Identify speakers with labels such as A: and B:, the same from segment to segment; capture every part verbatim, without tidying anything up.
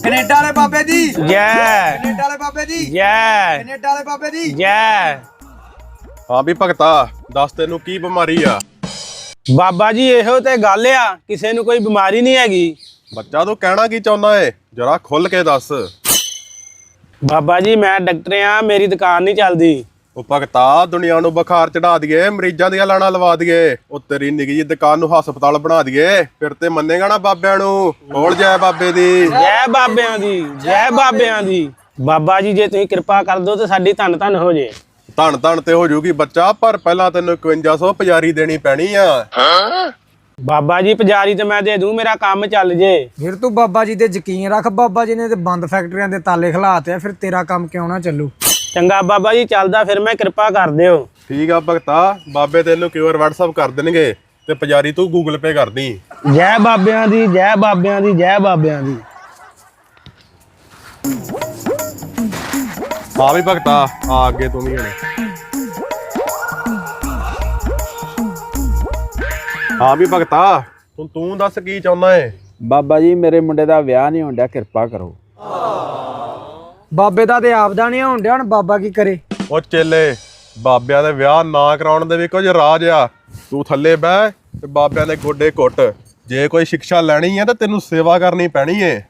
A: Canada ਵਾਲੇ ਬਾਬੇ ਦੀ
B: ਜੈ,
A: ਕੈਨੇਡਾ ਵਾਲੇ ਬਾਬੇ ਦੀ
B: ਜੈ,
A: ਕੈਨੇਡਾ ਵਾਲੇ ਬਾਬੇ ਦੀ
B: ਜੈ।
C: ਹਾਂ ਵੀ ਭਗਤਾ ਦੱਸ ਤੈਨੂੰ ਕੀ ਬਿਮਾਰੀ ਆ?
B: ਬਾਬਾ ਜੀ ਇਹੋ ਤੇ ਗੱਲ ਆ, ਕਿਸੇ ਨੂੰ ਕੋਈ ਬਿਮਾਰੀ ਨਹੀਂ ਹੈਗੀ।
C: ਬੱਚਾ ਤੂੰ ਕਹਿਣਾ ਕੀ ਚਾਹੁੰਦਾ ਏ, ਜਰਾ ਖੁੱਲ ਕੇ ਦੱਸ।
B: ਬਾਬਾ ਜੀ ਮੈਂ ਡਾਕਟਰ ਆ, ਮੇਰੀ ਦੁਕਾਨ ਨਹੀਂ ਚੱਲਦੀ।
C: ਉਹ ਭਗਤਾ ਦੁਨੀਆ ਨੂੰ ਬੁਖਾਰ ਚੜਾ ਦਈਏ, ਮਰੀਜ਼ਾਂ ਦੀਆਂ ਲਾਣਾ ਲਵਾ ਦਈਏ, ਉਹ ਤੇਰੀ ਨਿੱਕੀ ਜਿਹੀ ਦੁਕਾਨ ਨੂੰ ਹਸਪਤਾਲ ਬਣਾ ਦਈਏ, ਫਿਰ ਤੇ ਮੰਨੇਗਾ ਨਾ ਬਾਬਿਆਂ ਨੂੰ। ਬੋਲ ਜੈ ਬਾਬੇ ਦੀ।
B: ਜੈ ਬਾਬਿਆਂ ਦੀ, ਜੈ ਬਾਬਿਆਂ ਦੀ। ਬਾਬਾ ਜੀ ਜੇ ਤੁਸੀਂ ਕਿਰਪਾ ਕਰ ਦਿਓ ਤੇ ਸਾਡੀ ਧੰਨ ਧੰਨ ਹੋ ਜੇ।
C: ਧੰਨ ਧੰਨ ਤੇ ਹੋ ਜੂਗੀ ਬੱਚਾ, ਪਰ ਪਹਿਲਾਂ ਤੈਨੂੰ ਇਕਵੰਜਾ ਸੌ ਪੁਜਾਰੀ ਦੇਣੀ ਪੈਣੀ ਆ।
B: ਬਾਬਾ ਜੀ ਪੁਜਾਰੀ ਤੇ ਮੈਂ ਦੇ ਦੂੰ, ਮੇਰਾ ਕੰਮ ਚੱਲ ਜੇ।
A: ਫਿਰ ਤੂੰ ਬਾਬਾ ਜੀ ਤੇ ਯਕੀਨ ਰੱਖ, ਬਾਬਾ ਜੀ ਨੇ ਤੇ ਬੰਦ ਫੈਕਟਰੀਆਂ ਦੇ ਤਾਲੇ ਖਿਲਾਤੇ ਆ, ਫਿਰ ਤੇਰਾ ਕੰਮ ਕਿਉਂ ਨਾ ਚੱਲੂ।
B: ਚੰਗਾ ਬਾਬਾ ਜੀ ਚੱਲਦਾ, ਫਿਰ ਮੈਂ ਕਿਰਪਾ ਕਰ ਦਿਓ।
C: ਠੀਕ ਆ ਭਗਤਾ, ਬਾਬੇ ਤੈਨੂੰ ਕਿਊਆਰ WhatsApp ਕਰ ਦੇਣਗੇ ਤੇ ਪੁਜਾਰੀ ਤੂੰ ਗੂਗਲ ਪੇ ਕਰਦੀ।
B: ਜੈ ਬਾਬਿਆਂ ਦੀ, ਜੈ ਬਾਬਿਆਂ ਦੀ, ਜੈ ਬਾਬਿਆਂ ਦੀ।
C: ਹਾਂ ਵੀ ਭਗਤਾ ਆ ਅੱਗੇ ਤੂੰ ਵੀ ਹੁਣ। ਹਾਂ ਵੀ ਭਗਤਾ ਤੂੰ ਤੂੰ ਦੱਸ ਕੀ ਚਾਹੁੰਦਾ ਏ?
D: ਬਾਬਾ ਜੀ ਮੇਰੇ ਮੁੰਡੇ ਦਾ ਵਿਆਹ ਨਹੀਂ ਹੋਣ ਡਿਆ, ਕਿਰਪਾ ਕਰੋ।
A: ਬਾਬੇ ਦਾ ਤੇ ਆਪਦਾ ਨਹੀਂ ਹੋਣ ਡਿਆ, ਹੁਣ ਬਾਬਾ ਕੀ ਕਰੇ।
C: ਉਹ ਚੇਲੇ ਬਾਬਿਆਂ ਦੇ ਵਿਆਹ ਨਾ ਕਰਾਉਣ ਦੇ ਵੀ ਕੁਝ ਰਾਜ ਆ। ਤੂੰ ਥੱਲੇ ਬਹਿ ਤੇ ਬਾਬਿਆਂ ਦੇ ਗੋਡੇ ਘੁੱਟ। ਜੇ ਕੋਈ ਸਿੱਖਿਆ ਲੈਣੀ ਹੈ ਤਾਂ ਤੈਨੂੰ ਸੇਵਾ ਕਰਨੀ ਪੈਣੀ ਏ।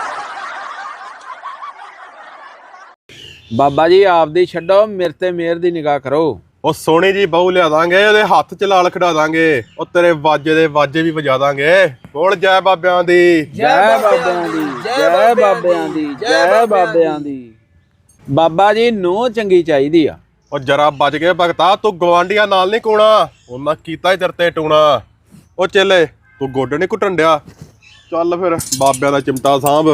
D: ਬਾਬਾ ਜੀ ਆਪਦੀ ਛੱਡੋ, ਮੇਰੇ ਤੇ ਮਿਹਰ ਦੀ ਨਿਗਾਹ ਕਰੋ।
C: ਉਹ ਸੋਹਣੀ ਜੀ ਬਹੂ ਲਿਆ ਦਾਂਗੇ, ਉਹਦੇ ਹੱਥ ਚ ਲਾਲ ਖੜਾ ਦਾਂਗੇ, ਉਹ ਤੇਰੇ ਵਾਜੇ ਦੇ ਵਾਜੇ ਵੀ ਵਜਾ ਦਾਂਗੇ। ਬੋਲ ਜੈ ਬਾਬਿਆਂ ਦੀ।
D: ਜੈ ਬਾਬਿਆਂ ਦੀ, ਜੈ ਬਾਬਿਆਂ ਦੀ, ਜੈ ਬਾਬਿਆਂ ਦੀ। ਬਾਬਾ ਜੀ ਨੂੰ ਚੰਗੀ ਚਾਹੀਦੀ ਆ।
C: ਉਹ ਜਰਾ ਬਚ ਗਏ ਭਗਤਾ, ਤੂੰ ਗਵਾਂਢੀਆਂ ਨਾਲ ਨਹੀਂ ਕੋਣਾ, ਉਹਨਾਂ ਕੀਤਾ ਹੀ ਤੇਰੇ ਤੇ ਟੂਣਾ। ਉਹ ਚੇਲੇ ਤੂੰ ਗੋਡੇ ਨਹੀਂ ਘੁੱਟਣ ਡਿਆ, ਚੱਲ ਫਿਰ ਬਾਬਿਆਂ ਦਾ ਚਿਮਟਾ ਸਾਂਭ।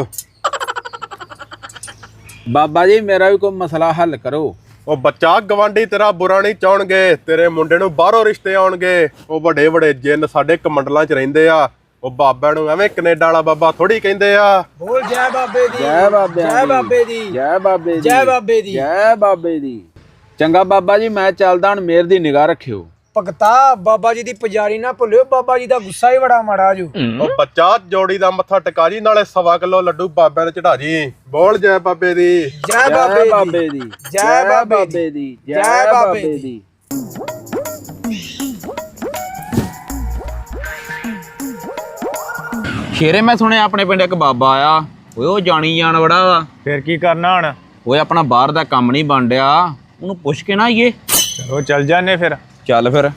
D: ਬਾਬਾ ਜੀ ਮੇਰਾ ਵੀ ਕੋਈ ਮਸਲਾ ਹੱਲ ਕਰੋ।
C: ਉਹ ਬੱਚਾ ਗਵਾਂਢੀ ਤੇਰਾ ਬੁਰਾ ਨਹੀਂ ਚਾਹਣਗੇ, ਤੇਰੇ ਮੁੰਡੇ ਨੂੰ ਬਾਹਰੋਂ ਰਿਸ਼ਤੇ ਆਉਣਗੇ। ਉਹ ਵੱਡੇ ਵੱਡੇ ਜਿੰਨ ਸਾਡੇ ਕਮੰਡਲਾਂ 'ਚ ਰਹਿੰਦੇ ਆ, ਉਹ ਬਾਬਿਆਂ ਨੂੰ ਐਵੇਂ ਕੈਨੇਡਾ ਵਾਲਾ ਬਾਬਾ ਥੋੜੀ ਕਹਿੰਦੇ ਆ।
A: ਬੋਲ ਜੈ ਬਾਬੇ ਦੀ,
D: ਜੈ ਬਾਬਿਆਂ
A: ਜੈ ਬਾਬੇ ਦੀ,
D: ਜੈ ਬਾਬੇ ਦੀ,
A: ਜੈ ਬਾਬੇ ਦੀ,
D: ਜੈ ਬਾਬੇ ਦੀ। ਚੰਗਾ ਬਾਬਾ ਜੀ ਮੈਂ ਚੱਲਦਾ, ਹੁਣ ਮਿਹਰ ਦੀ ਨਿਗਾਹ ਰੱਖਿਓ।
A: ਭਗਤਾ ਬਾਬਾ ਜੀ ਦੀ ਪੁਜਾਰੀ ਨਾ ਭੁੱਲਿਓ, ਬਾਬਾ ਜੀ ਦਾ ਗੁੱਸਾ ਹੀ ਬੜਾ ਮਾੜਾ ਜੂ।
C: ਉਹ ਬੱਚਾ ਜੋੜੀ ਦਾ ਮੱਥਾ ਟਿਕਾ ਜੀ, ਨਾਲੇ ਸਵਾ ਕਿਲੋ ਲੱਡੂ ਬਾਬਿਆਂ ਦੇ ਚੜਾ ਜੀ। ਬੋਲ ਜੈ ਬਾਬੇ ਦੀ।
A: ਜੈ
D: ਬਾਬੇ ਦੀ,
A: ਜੈ ਬਾਬੇ
D: ਦੀ,
A: ਜੈ ਬਾਬੇ ਦੀ।
D: ਸ਼ੇਰੇ ਮੈਂ ਸੁਣਿਆ ਆਪਣੇ ਪਿੰਡ ਇੱਕ ਬਾਬਾ ਆਇਆ, ਓਏ ਉਹ ਜਾਣੀ ਜਾਣ ਬੜਾ ਵਾ।
B: ਫਿਰ ਕੀ ਕਰਨਾ ਹੁਣ?
D: ਓਏ ਆਪਣਾ ਬਾਹਰ ਦਾ ਕੰਮ ਨਹੀਂ ਬਣ ਡਿਆ, ਉਹਨੂੰ ਪੁੱਛ ਕੇ ਨਾ ਆਈਏ।
B: ਚਲੋ ਚੱਲ ਜਾਂਦੇ ਫਿਰ।
D: ਚੱਲ ਫਿਰ।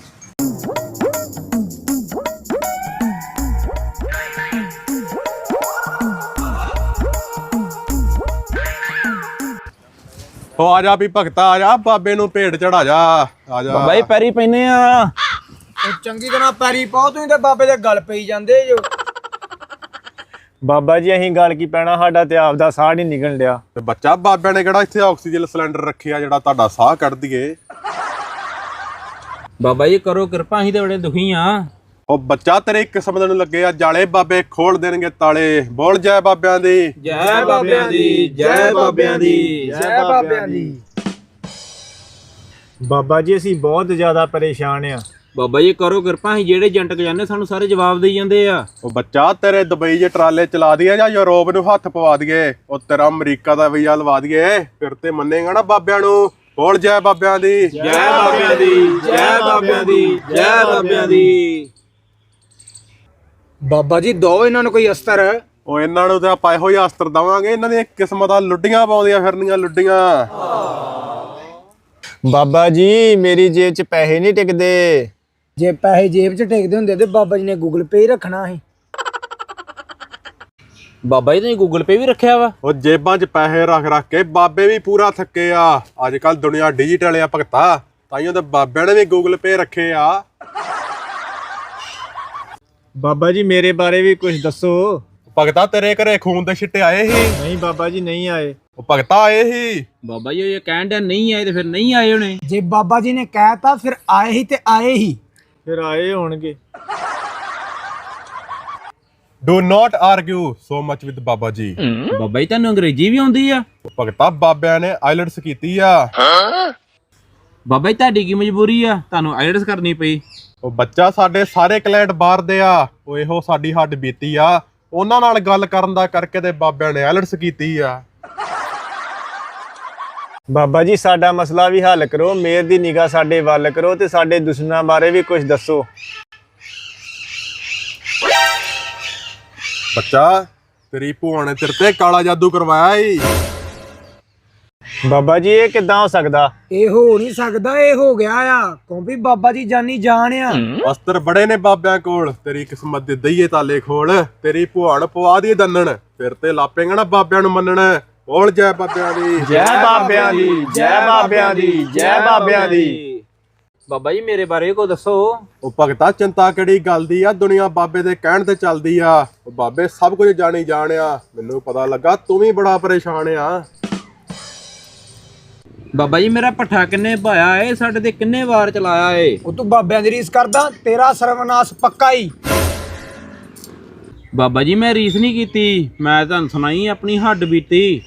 C: ਉਹ ਆ ਜਾ ਵੀ ਭਗਤਾ, ਆ ਜਾ ਬਾਬੇ ਨੂੰ ਭੇਡ ਚੜਾ ਜਾ। ਆ ਜਾ
D: ਬਾਬਾ ਜੀ ਪੈਰੀ ਪੈਨੇ ਆ।
A: ਉਹ ਚੰਗੀ ਤਰ੍ਹਾਂ ਪੈਰੀ ਪਾਓ, ਤੁਸੀਂ ਤੇ ਬਾਬੇ ਦੇ ਗਲ ਪਈ ਜਾਂਦੇ ਜੋ।
B: ਬਾਬਾ ਜੀ ਅਸੀਂ ਗੱਲ ਕੀ ਪੈਣਾ, ਸਾਡਾ ਤੇ ਆਪ ਦਾ ਸਾਹ ਨਹੀਂ ਨਿਕਲਣ ਡਿਆ।
C: ਤੇ ਬੱਚਾ ਬਾਬਿਆਂ ਨੇ ਕਿਹੜਾ ਇੱਥੇ ਆਕਸੀਜਨ ਸਿਲੰਡਰ ਰੱਖਿਆ ਜਿਹੜਾ ਤੁਹਾਡਾ ਸਾਹ ਕੱਢ ਦਈਏ।
D: ਬਾਬਾ ਜੀ ਕਰੋ ਕਿਰਪਾ, ਅਸੀਂ ਤੇ ਬੜੇ ਦੁਖੀ ਆ।
C: ਉਹ ਬੱਚਾ ਤੇਰੇ ਕਿਸਮ ਨੂੰ ਲੱਗੇ ਆ ਜਾਲੇ, ਬਾਬੇ ਖੋਲ ਦੇਣਗੇ ਤਾਲੇ। ਬੋਲ ਜੈ ਬਾਬਿਆਂ ਦੀ।
D: ਜੈ ਬਾਬਿਆਂ ਦੀ, ਜੈ ਬਾਬਿਆਂ ਦੀ,
A: ਜੈ ਬਾਬਿਆਂ ਦੀ।
B: ਬਾਬਾ ਜੀ ਅਸੀਂ ਬਹੁਤ ਜ਼ਿਆਦਾ ਪਰੇਸ਼ਾਨ ਆ।
D: ਬਾਬਾ ਜੀ ਕਰੋ ਕਿਰਪਾ, ਅਸੀਂ ਜਿਹੜੇ ਏਜੰਟ ਕ ਜਾਂਦੇ ਸਾਨੂੰ ਸਾਰੇ ਜਵਾਬ ਦੇਈ ਜਾਂਦੇ ਆ।
C: ਉਹ ਬੱਚਾ ਤੇਰੇ ਦੁਬਈ ਜੇ ਟਰਾਲੇ ਚਲਾ ਦਈਏ ਜਾਂ ਯੂਰਪ ਨੂੰ ਹੱਥ ਪਵਾ ਦਈਏ, ਉਹ ਤੇਰਾ ਅਮਰੀਕਾ ਦਾ ਵੀਜ਼ਾ ਲਵਾ ਦਈਏ, ਫਿਰ ਤੇ ਮੰਨੇਗਾ ਨਾ ਬਾਬਿਆਂ ਨੂੰ। ਬੋਲ ਜੈ ਬਾਬਿਆਂ ਦੀ।
D: ਜੈ ਬਾਬਿਆਂ ਦੀ, ਜੈ ਬਾਬਿਆਂ ਦੀ, ਜੈ ਬਾਬਿਆਂ ਦੀ।
A: ਬਾਬਾ ਜੀ ਦੋ ਇਹਨਾਂ ਨੂੰ ਕੋਈ ਅਸਤਰ।
C: ਉਹ ਇਹਨਾਂ ਨੂੰ ਤਾਂ ਆਪਾਂ ਇਹੋ ਹੀ ਅਸਤਰ ਦਵਾਂਗੇ, ਇਹਨਾਂ ਦੀਆਂ ਕਿਸਮਤਾਂ ਲੁੱਡੀਆਂ ਪਾਉਂਦੀਆਂ ਫਿਰਨੀਆਂ ਲੁੱਡੀਆਂ।
B: ਬਾਬਾ ਜੀ ਮੇਰੀ ਜੇਬ 'ਚ ਪੈਸੇ ਨਹੀਂ ਟਿਕਦੇ।
A: ਜੇ ਪੈਸੇ ਜੇਬ 'ਚ ਟਿਕਦੇ ਹੁੰਦੇ ਤੇ ਬਾਬਾ ਜੀ ਨੇ ਗੂਗਲ ਪੇ ਹੀ ਰੱਖਣਾ ਸੀ।
D: ਬਾਬਾ ਜੀ ਤੁਸੀਂ ਗੂਗਲ ਪੇ ਵੀ ਰੱਖਿਆ ਵਾ?
C: ਉਹ ਜੇਬਾਂ 'ਚ ਪੈਸੇ ਰੱਖ ਰੱਖ ਕੇ ਬਾਬੇ ਵੀ ਪੂਰਾ ਥੱਕੇ ਆ। ਅੱਜ ਕੱਲ ਦੁਨੀਆ ਡਿਜੀਟਲ ਆ ਭਗਤਾ, ਤਾਈਓ ਤਾਂ ਬਾਬਿਆਂ ਨੇ ਵੀ ਗੂਗਲ ਪੇ ਰੱਖੇ ਆ।
B: ਬਾਬਾ ਜੀ ਮੇਰੇ ਬਾਰੇ ਵੀ ਕੁਝ ਦੱਸੋ।
C: ਭਗਤਾ ਤੇਰੇ ਘਰੇ ਖੂਨ ਦੇ ਛਿੱਟੇ ਆਏ ਸੀ?
B: ਨਹੀਂ ਬਾਬਾ ਜੀ ਨਹੀਂ ਆਏ।
C: ਉਹ ਭਗਤਾ ਆਏ ਸੀ।
D: ਬਾਬਾ ਜੀ ਇਹ ਕਹਿਣ ਡਿਆ ਨਹੀਂ ਆਏ ਤੇ ਫਿਰ ਨਹੀਂ ਆਏ ਹੋਣੇ।
A: ਜੇ ਬਾਬਾ ਜੀ ਨੇ ਕਹਿਤਾ ਫਿਰ ਆਏ ਹੀ ਤੇ ਆਏ ਹੀ।
B: ਫਿਰ ਆਏ ਹੋਣਗੇ।
C: Do not argue so much with Baba ji.
D: Baba ਜੀ ਤੁਹਾਨੂੰ ਅੰਗਰੇਜ਼ੀ ਵੀ ਆਉਂਦੀ ਆ?
C: ਭਗਤਾ ਬਾਬਿਆਂ ਨੇ ਆਈਲੈਟਸ ਕੀਤੀ ਆ।
D: ਬਾਬਾ ਜੀ ਤੁਹਾਡੀ ਕੀ ਮਜਬੂਰੀ ਆ, ਤੁਹਾਨੂੰ ਆਈਲੈਟਸ ਕਰਨੀ ਪਈ?
C: ਉਹ ਬੱਚਾ ਸਾਡੇ ਸਾਰੇ ਕਲਾਇੰਟ ਬਾਹਰ ਦੇ ਆ, ਉਹ ਇਹੋ ਸਾਡੀ ਹੱਡ ਬੀਤੀ ਆ। ਉਹਨਾਂ ਨਾਲ ਗੱਲ ਕਰਨ ਦਾ ਕਰਕੇ ਤੇ ਬਾਬਿਆਂ ਨੇ ਐਲਰਟਸ ਕੀਤੀ ਆ।
E: ਬਾਬਾ ਜੀ ਸਾਡਾ ਮਸਲਾ ਵੀ ਹੱਲ ਕਰੋ, ਮੇਰ ਦੀ ਨਿਗਾਹ ਸਾਡੇ ਵੱਲ ਕਰੋ ਤੇ ਸਾਡੇ ਦੁਸ਼ਮਣਾਂ ਬਾਰੇ ਵੀ ਕੁਝ ਦੱਸੋ।
C: ਬੱਚਾ ਤੇਰੀ ਭੂਆ ਨੇ ਤੇਰੇ ਤੇ ਕਾਲਾ ਜਾਦੂ ਕਰਵਾਇਆ ਈ।
E: ਬਾਬਾ ਜੀ ਇਹ ਕਿੱਦਾਂ ਹੋ ਸਕਦਾ?
A: ਇਹ ਹੋ ਨਹੀਂ ਸਕਦਾ, ਇਹ ਹੋ ਗਿਆ ਆ ਕਿਉਂਕਿ ਬਾਬਾ ਜੀ ਜਾਨੀ ਜਾਨ ਆ।
C: ਅਸਤਰ ਬੜੇ ਨੇ ਬਾਬਿਆਂ ਕੋਲ, ਤੇਰੀ ਕਿਸਮਤ ਦੇ ਦਈਏ ਤਾਲੇ ਖੋਲ। ਤੇਰੀ ਭੂਆ ਨੂੰ ਪਵਾ ਦੀ ਦੰਨਣ, ਫਿਰ ਤੇ ਲਾਪੇਗਾ ਨਾ ਬਾਬਿਆਂ ਨੂੰ ਮੰਨਣ। ਬੋਲ ਜੈ ਬਾਬਿਆਂ ਦੀ।
E: ਜੈ ਬਾਬਿਆਂ ਦੀ, ਜੈ ਬਾਬਿਆਂ ਦੀ, ਜੈ ਬਾਬਿਆਂ ਦੀ।
D: ਬਾਬਾ ਜੀ ਮੇਰੇ ਬਾਰੇ ਕੋ ਦੱਸੋ।
C: ਉਹ ਭਗਤਾ ਚਿੰਤਾ ਕਿਹੜੀ ਗੱਲ ਦੀ ਆ, ਦੁਨੀਆ ਬਾਬੇ ਦੇ ਕਹਿਣ ਤੇ ਚੱਲਦੀ ਆ। ਉਹ ਬਾਬੇ ਸਭ ਕੁਝ ਜਾਣੀ ਜਾਣਿਆ। ਮੈਨੂੰ ਪਤਾ ਲੱਗਾ ਤੂੰ ਵੀ ਬੜਾ ਪਰੇਸ਼ਾਨ ਆ।
D: ਬਾਬਾ ਜੀ ਮੇਰਾ ਪੱਠਾ ਕਿੰਨੇ ਪਾਇਆ ਏ, ਸਾਡੇ ਤੇ ਕਿੰਨੇ ਵਾਰ ਚਲਾਇਆ ਏ।
A: ਉਹ ਤੂੰ ਬਾਬਿਆਂ ਦੀ ਰੀਸ ਕਰਦਾ, ਤੇਰਾ ਸਰਵਨਾਸ਼ ਪੱਕਾ ਹੀ।
D: ਬਾਬਾ ਜੀ ਮੈਂ ਰੀਸ ਨਹੀਂ ਕੀਤੀ, ਮੈਂ ਤੁਹਾਨੂੰ ਸੁਣਾਈ ਆਪਣੀ ਹੱਡ ਬੀਤੀ।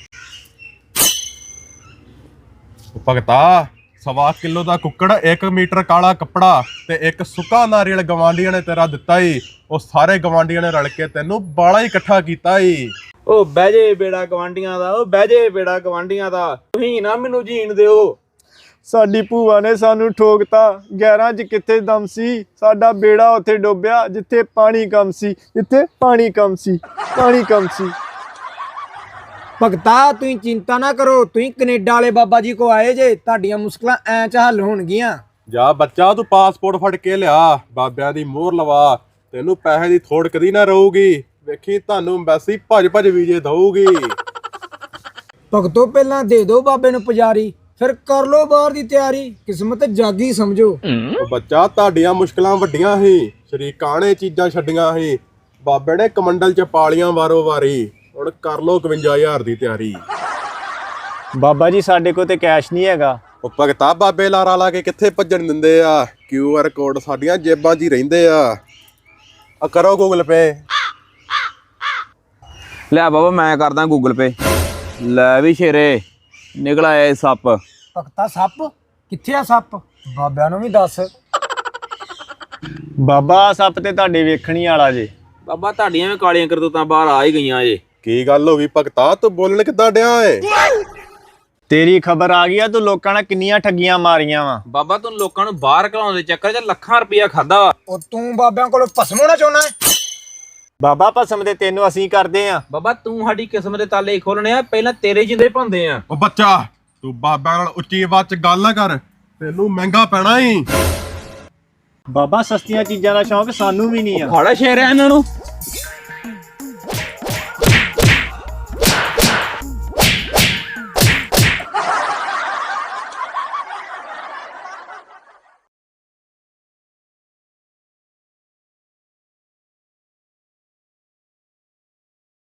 C: ਉਹ ਭਗਤਾ ਸਵਾ ਕਿਲੋ ਦਾ ਕੁੱਕੜ, ਇੱਕ ਮੀਟਰ ਕਾਲਾ ਕੱਪੜਾ ਤੇ ਇੱਕ ਸੁੱਕਾ ਨਾਰੀਅਲ ਗਵਾਂਢੀਆਂ ਨੇ ਤੇਰਾ ਦਿੱਤਾ ਈ। ਉਹ ਸਾਰੇ ਗਵਾਂਢੀਆਂ ਨੇ ਰਲ ਕੇ ਤੈਨੂੰ ਬਾਲਾ ਹੀ ਇਕੱਠਾ ਕੀਤਾ ਈ।
D: ਉਹ ਬਹਿ ਜੇ ਬੇੜਾ ਗਵਾਂਢੀਆਂ ਦਾ, ਉਹ ਬਹਿ ਜੇ ਬੇੜਾ ਗਵਾਂਢੀਆਂ ਦਾ, ਤੁਸੀਂ ਨਾ ਮੈਨੂੰ ਜੀਣ ਦਿਓ।
E: ਸਾਡੀ ਭੂਆ ਨੇ ਸਾਨੂੰ ਠੋਕਤਾ, ਗਿਆਰਾਂ ਚ ਕਿੱਥੇ ਦਮ ਸੀ। ਸਾਡਾ ਬੇੜਾ ਉੱਥੇ ਡੁੱਬਿਆ ਜਿੱਥੇ ਪਾਣੀ ਕਮ ਸੀ, ਜਿੱਥੇ ਪਾਣੀ ਕਮ ਸੀ, ਪਾਣੀ ਕਮ ਸੀ।
A: ਭਗਤਾ ਤੁਸੀਂ ਚਿੰਤਾ ਨਾ ਕਰੋ, ਤੁਸੀਂ ਕੈਨੇਡਾ ਵਾਲੇ ਬਾਬਾ ਜੀ ਕੋ ਆਏ ਜੇ, ਤੁਹਾਡੀਆਂ ਮੁਸ਼ਕਲਾਂ ਐਂ ਚ ਹੱਲ ਹੋਣਗੀਆਂ।
C: ਜਾ ਬੱਚਾ ਤੂੰ ਪਾਸਪੋਰਟ ਫੜ ਕੇ ਲਿਆ, ਬਾਬਿਆਂ ਦੀ ਮੋਹਰ ਲਵਾ। ਤੈਨੂੰ ਪੈਸੇ ਦੀ ਥੋੜ ਕਦੀ ਨਾ ਰਹੂਗੀ। ਵੇਖੀ ਤੁਹਾਨੂੰ ਐਮਬੈਸੀ ਭੱਜ ਭੱਜ ਵੀਜ਼ੇ ਦਊਗੀ।
A: ਭਗਤੋ ਪਹਿਲਾਂ ਦੇ ਦਿਓ ਬਾਬੇ ਨੂੰ ਪੁਜਾਰੀ, ਫਿਰ ਕਰ ਲੋ ਬਾਹਰ ਦੀ ਤਿਆਰੀ। ਕਿਸਮਤ ਜਾਗੀ ਸਮਝੋ।
C: ਉਹ ਬੱਚਾ ਤੁਹਾਡੀਆਂ ਮੁਸ਼ਕਲਾਂ ਵੱਡੀਆਂ ਸੀ, ਸ਼ਰੀਕਾਂ ਨੇ ਚੀਜ਼ਾਂ ਛੱਡੀਆਂ ਸੀ। ਬਾਬੇ ਨੇ ਕਮੰਡਲ ਚ ਪਾਲੀਆਂ ਵਾਰੋ ਵਾਰੀ। ਹੁਣ ਕਰ ਲੋ ਇਕਵੰਜਾ ਹਜ਼ਾਰ ਦੀ ਤਿਆਰੀ।
E: ਬਾਬਾ ਜੀ ਸਾਡੇ ਕੋਲ ਤੇ ਕੈਸ਼ ਨਹੀਂ ਹੈਗਾ।
C: ਉਹ ਭਗਤਾ ਬਾਬੇ ਲਾਰਾ ਲਾ ਕੇ ਕਿੱਥੇ ਭੱਜਣ ਦਿੰਦੇ ਆ। ਕਿਊ ਆਰ ਕੋਡ ਸਾਡੀਆਂ ਜੇਬਾਂ 'ਚ ਹੀ ਰਹਿੰਦੇ ਆ। ਆ ਕਰੋ ਗੂਗਲ ਪੇ।
D: ਲੈ ਬਾਬਾ ਮੈਂ ਕਰਦਾ ਗੂਗਲ ਪੇ। ਲੈ ਵੀ ਸ਼ੇਰੇ ਨਿਕਲ ਆਇਆ ਇਹ ਸੱਪ।
A: ਭਗਤਾ ਸੱਪ ਕਿੱਥੇ ਆ ਸੱਪ? ਬਾਬਿਆਂ ਨੂੰ ਵੀ ਦੱਸ।
E: ਬਾਬਾ ਸੱਪ ਤੇ ਤੁਹਾਡੇ ਵੇਖਣੀ ਵਾਲਾ ਜੇ।
D: ਬਾਬਾ ਤੁਹਾਡੀਆਂ ਵੀ ਕਾਲੀਆਂ ਕਰਤੂਤਾਂ ਬਾਹਰ ਆ ਹੀ ਗਈਆਂ ਜੇ।
C: ਕੀ ਗੱਲ ਹੋ ਗਈ ਭਗਤਾ, ਤੂੰ ਬੋਲਣ ਕਿੱਦਾਂ ਡਿਆ ਏ?
E: ਤੇਰੀ ਖਬਰ ਆ ਗਈ ਆ, ਤੂੰ ਲੋਕਾਂ ਨਾਲ ਕਿੰਨੀਆਂ ਠੱਗੀਆਂ ਮਾਰੀਆਂ ਵਾ।
D: ਬਾਬਾ ਤੂੰ ਲੋਕਾਂ ਨੂੰ ਬਾਹਰ ਘਲਾਉਣ ਦੇ ਚੱਕਰ 'ਚ ਲੱਖਾਂ ਰੁਪਇਆ ਖਾਦਾ।
A: ਉਹ ਤੂੰ ਬਾਬਿਆਂ ਕੋਲੋਂ ਭਸਮ ਹੋਣਾ ਚਾਹੁੰਦਾ ਹੈ?
E: ਬਾਬਾ ਭਸਮ ਦੇ ਤੈਨੂੰ ਅਸੀਂ ਕਰਦੇ ਆ।
D: ਬਾਬਾ ਤੂੰ ਸਾਡੀ ਕਿਸਮ ਦੇ ਤਾਲੇ ਖੋਲਣੇ ਆ, ਪਹਿਲਾਂ ਤੇਰੇ ਜਿੰਦੇ ਪਾਉਂਦੇ ਆ।
C: ਉਹ ਬੱਚਾ ਤੂੰ ਬਾਬਿਆਂ ਨਾਲ ਉੱਚੀ ਆਵਾਜ਼ 'ਚ ਗੱਲ ਨਾ ਕਰ, ਤੈਨੂੰ ਮਹਿੰਗਾ ਪੈਣਾ ਈ।
E: ਬਾਬਾ ਸਸਤੀਆਂ ਚੀਜ਼ਾਂ ਦਾ ਸ਼ੌਂਕ ਸਾਨੂੰ ਵੀ ਨਹੀਂ ਆ।
D: ਖਾੜਾ ਸ਼ੇਰ ਆ ਇਹਨਾਂ ਨੂੰ।